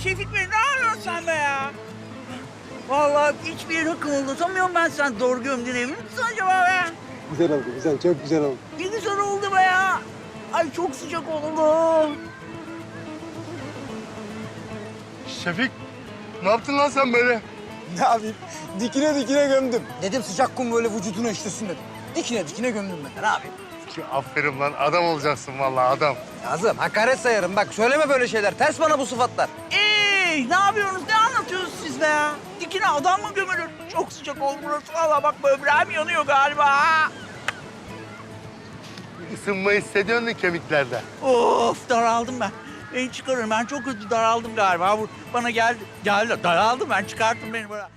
Şefik Bey ne yapıyorsun sen be ya? Vallahi hiçbir yerini kımıldatamıyorum ben, sen doğru gömdün emin misin acaba be? Güzel oldu, güzel. Çok güzel oldu. Ne güzel oldu be ya. Ay çok sıcak oldu. Şefik, ne yaptın lan sen böyle? Ne yapayım? Dikine dikine gömdüm. Dedim sıcak kum böyle vücuduna işlesin dedim. Dikine dikine gömdüm ben de, ne yapayım? Aferin lan, adam olacaksın vallahi adam. Kazım, hakaret sayarım. Bak söyleme böyle şeyler. Ters bana bu sıfatlar. Ne yapıyorsunuz? Ne anlatıyorsunuz siz be ya? Dikine adam mı gömülür? Çok sıcak oldu burası. Vallahi bak böbreğim yanıyor galiba. Isınma hissediyorsun da kemiklerde. Of daraldım ben. Beni çıkarın. Ben çok kötü daraldım galiba. Bu bana geldi. Geldi. Daraldım ben. Çıkarttım beni böyle.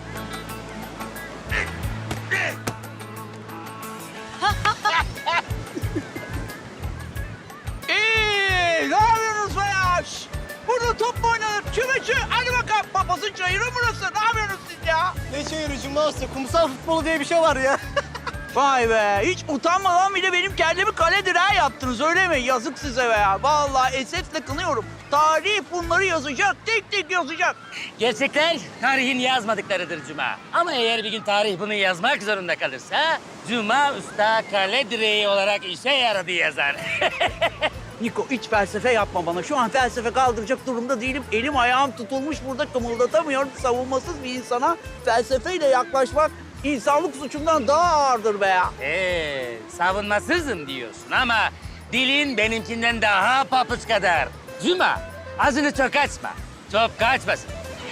Ne yapıyorsunuz be ya? Şş, burada top mu oynanır? Çüme. Hadi bakalım. Papazın çayırı burası. Ne yapıyorsunuz siz ya? Ne çayırıcı Master? Kumsal futbolu diye bir şey var ya. Vay be. Hiç utanmadan bile benim kendimi kale direği yaptınız öyle mi? Yazık size be ya. Vallahi esefle kınıyorum. Tarih bunları yazacak. Tek tek yazacak. Gerçekler tarihin yazmadıklarıdır Cuma. Ama eğer bir gün tarih bunu yazmak zorunda kalırsa... Cuma Usta kale direği olarak işe yaradı yazar. Niko hiç felsefe yapma bana. Şu an felsefe kaldıracak durumda değilim. Elim ayağım tutulmuş burada kımıldatamıyorum. Savunmasız bir insana felsefeyle yaklaşmak insanlık suçundan daha ağırdır be ya. Savunmasızım diyorsun ama dilin benimkinden daha papuç kadar. Cuma, ağzını çok açma. Çok kaçmasın.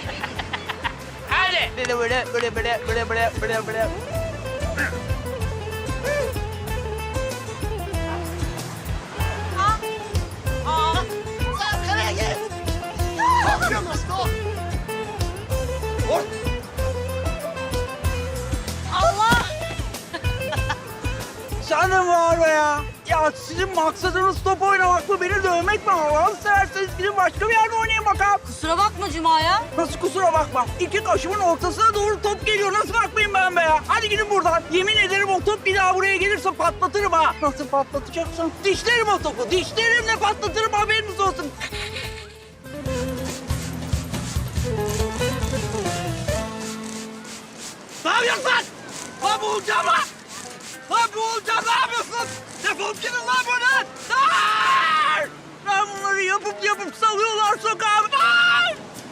Hadi. Böyle. Sen de mi var be ya? Ya sizin maksadınız top oynamak mı, beni dövmek mi? Allah'ını severseniz gidin başka bir yerde oynayın bakalım. Kusura bakma Cuma ya. Nasıl kusura bakmam? İki kaşımın ortasına doğru top geliyor. Nasıl bakmayayım ben be ya? Hadi gidin buradan. Yemin ederim o top bir daha buraya gelirse patlatırım ha. Nasıl patlatacaksın? Dişlerim o topu. Dişlerimle patlatırım, haberiniz olsun. Ne yapıyorsun lan? Lan boğulacağım lan! Lan boğulacağım, ne yapıyorsun? Defol gidin lan buradan! Aa! Ben bunları yapıp salıyorlar sokağa. Aa!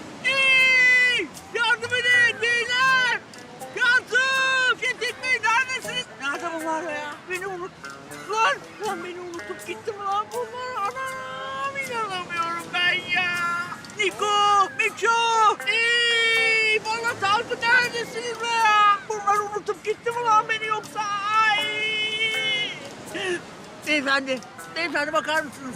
Yardım edin beyler! Yardım! Şefik Bey neredesiniz? Nerede bunlar be ya? Beni unuttular. Lan beni unutup gitti mi lan bunlar? Anam inanamıyorum ben ya. Niko, Miço! Bana Tarık neredesiniz be ya? Bunlar unutup gitti mi lan beni yoksa? Ay! Beyefendi bakar mısınız?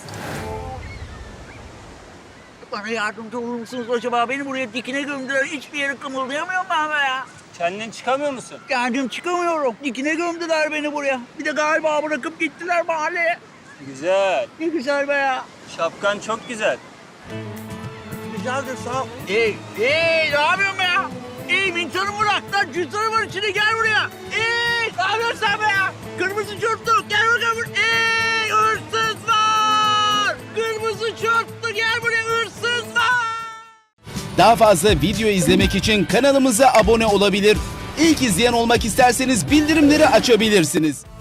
Bana yardımcı olur musunuz acaba? Beni buraya dikine gömdüler. Hiçbir yere kımıldayamıyorum ben be ya. Kendin çıkamıyor musun? Kendim çıkamıyorum. Dikine gömdüler beni buraya. Bir de galiba bırakıp gittiler mahalleye. Güzel. Ne güzel be ya. Şapkan çok güzel. Güzeldir sağ ol. Ne yapıyorsun be ya? Mintanı bırak lan. Cüzdanı var içinde, gel buraya. Ne yapıyorsun sen be ya? Kırmızı çortlu gel bakalım. Hırsız var. Kırmızı çortlu gel buraya, hırsız var. Daha fazla video izlemek için kanalımıza abone olabilir. İlk izleyen olmak isterseniz bildirimleri açabilirsiniz.